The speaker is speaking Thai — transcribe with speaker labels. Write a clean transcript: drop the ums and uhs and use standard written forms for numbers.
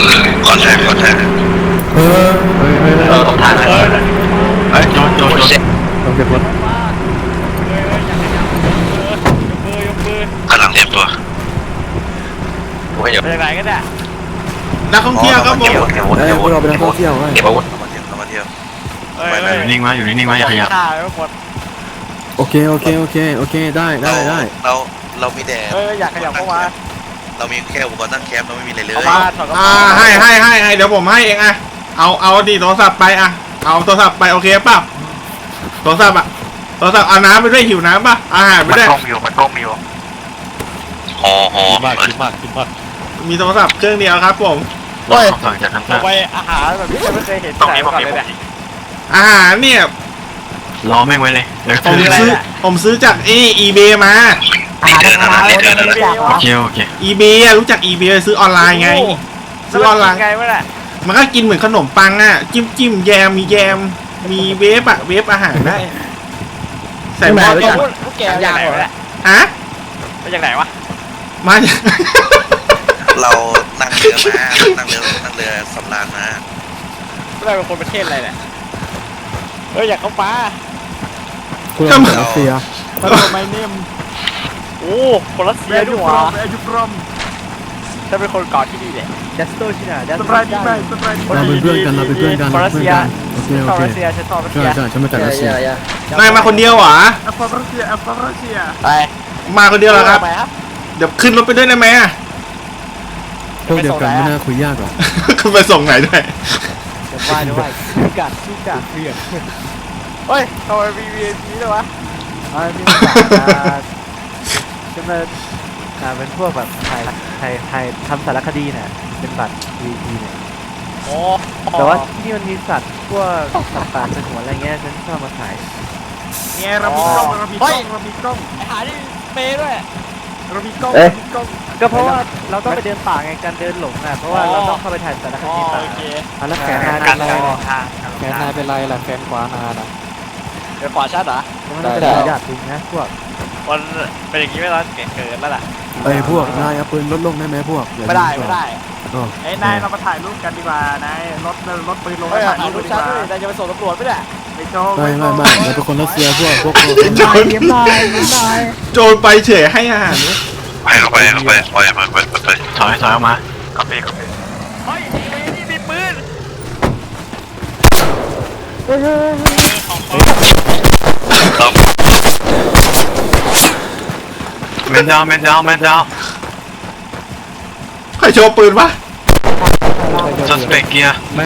Speaker 1: คอนแทคต้องทางเลยเฮ้ยโจนต้องเก็บรถกำลังเตรียมตัวโอ้ยอยู่
Speaker 2: ไปไหนกันเนี่ย
Speaker 3: นักท่องเที่ยวครับผม
Speaker 4: พวกเราเป็นนักท่องเที่ยวไง
Speaker 1: เก็บอาวุธมาเที่ยวอยู่นิ่งมาอย่าขยับ
Speaker 2: ฆ่าไปหมด
Speaker 4: โอเคได้
Speaker 1: เรามีแดด
Speaker 2: อยากขยับเข้ามา
Speaker 1: เรามีแค่อุปกรณ์ตั้งแคมป์เราไม่มีอะไรเลย
Speaker 2: เข้ามาถอดกระเป๋า
Speaker 3: ให้เดี๋ยวผมให้เองอะเอาดิโทรศัพท์ไปอะเอาโทรศัพท์ไปโอเคป่ะโทรศัพท์เอาน้ำไปด้วยหิวน้ำป่ะอาหารไปด้วย
Speaker 1: มันกล้องมีวะหอมาก
Speaker 3: มีโทรศัพท์เครื่องเดียวครับผม
Speaker 1: สั่งจากทาง
Speaker 2: เอาไปอาหารแบบที่ไม่เคยเห็นที่ไหนมาก่อนเลยเนี่ย
Speaker 3: อาหารเนี่ย
Speaker 1: รอแม่งไว้เลย
Speaker 3: ผมซื้อจากeBay มา
Speaker 1: โอเค
Speaker 3: eBay อะรู้จัก eBay ซื้อออนไลน์ไงซื้อออนไลน์
Speaker 2: ไงวะเนี่ย
Speaker 3: มันก็กินเหมือนขนมปังอะจิ้มแยมมีเวฟอะเวฟอาหารได้ใส่หม้อ
Speaker 2: พวกแกมาจากไหนวะเนี่ย
Speaker 3: ฮะ
Speaker 2: มาจากไหนวะ
Speaker 3: มาจาก
Speaker 1: เรานั่งเรือสำราญมา
Speaker 2: เราเป็นคนประเทศอะไรเนี่ยอยากเข้าป่า
Speaker 4: คุณเราเป็นรัสเซีย
Speaker 2: ไม่เนมโอ้คนรัสเซียด้วยวะถ้าเป็นคนเกาะที่นี่เนี่ยดัสโตชิน่าดัสโตชิน่า
Speaker 4: เราเป็นเพื่อนกันโอเค
Speaker 2: ชอบรัสเซียฉันชอบรัสเซีย
Speaker 4: ใช่ฉันมาจากรัสเซีย
Speaker 3: นายมาคนเดียวเหรอ
Speaker 2: ไป
Speaker 3: มาคนเดียวเหรอครับ
Speaker 2: ไปครับ
Speaker 3: เดี๋ยวขึ้นรถไปด้วยได้ไหมอะ
Speaker 4: พวกเดียวกันไม่น่าคุยยากหรอก
Speaker 3: ขึ้นไปส่งไหนด้วย
Speaker 2: เดี๋ยวไปชื่อกัดเพื่อนเฮ้ยทำไมมี VIP ด้วยวะ
Speaker 5: นี่จะมาเป็นพวกแบบถ่ายทำสารคดีน่ะเป็นบัตร VIP เนี่ย
Speaker 2: โอ้
Speaker 5: แต่ว่าที่นี่มันมีสัตว์พวกสัตว์ป่าสงวนอะไรเงี้ยฉันชอบมาถ่าย
Speaker 3: เนี่ยเรามีกล้อง
Speaker 2: ไอหาที่เปย์ด้วย
Speaker 5: ก็เพราะว่าเราต้องไปเดินป่าไงการเดินหลงอ่ะเพราะว่าเราต้องเข้าไปถ่ายสารค
Speaker 2: อ๋อ
Speaker 5: ดีป่า
Speaker 2: โอเค
Speaker 5: แล้วแขนนาย
Speaker 2: การ
Speaker 5: เป็น
Speaker 2: เดิ
Speaker 5: ไร
Speaker 2: นทาง
Speaker 5: แขนนายเป็นไรล่ะแขนขวานายน่ะ
Speaker 2: เดี๋ยวขวาชัดเหรอ
Speaker 5: มันเป็นระดับจริงนะพวก
Speaker 2: มันเป็นอย่างนี้ไม่ร้อนเกินแล้วล่ะ
Speaker 4: ไอ้พวกนายเอาปืนลดลงได้ไหมพวก
Speaker 2: ไม่ได้
Speaker 6: ไอ้นายเรามาถ่ายรูปกันดีกว่านายรถปืนลง
Speaker 2: เฮ้ย
Speaker 6: ถ่าย
Speaker 2: ถ่าย
Speaker 6: รู
Speaker 2: รู
Speaker 6: ป
Speaker 2: ป
Speaker 6: ดี
Speaker 2: ชั
Speaker 6: ก
Speaker 2: ด
Speaker 6: ว่า
Speaker 2: ด้วยแต่จะไปส่งตำรวจไม่ได้
Speaker 6: ไอ้โจ้
Speaker 4: ไม่เราเป็นคนรัสเซียพวก
Speaker 3: โจรไปเฉยให้อาหาร
Speaker 1: ไปถอยออกมาก็ไป
Speaker 2: เฮ้ยนี่มีปืน
Speaker 1: แมนดาว
Speaker 3: ใครโชว์ปืนปะ
Speaker 1: suspect เกียร์
Speaker 4: ไม่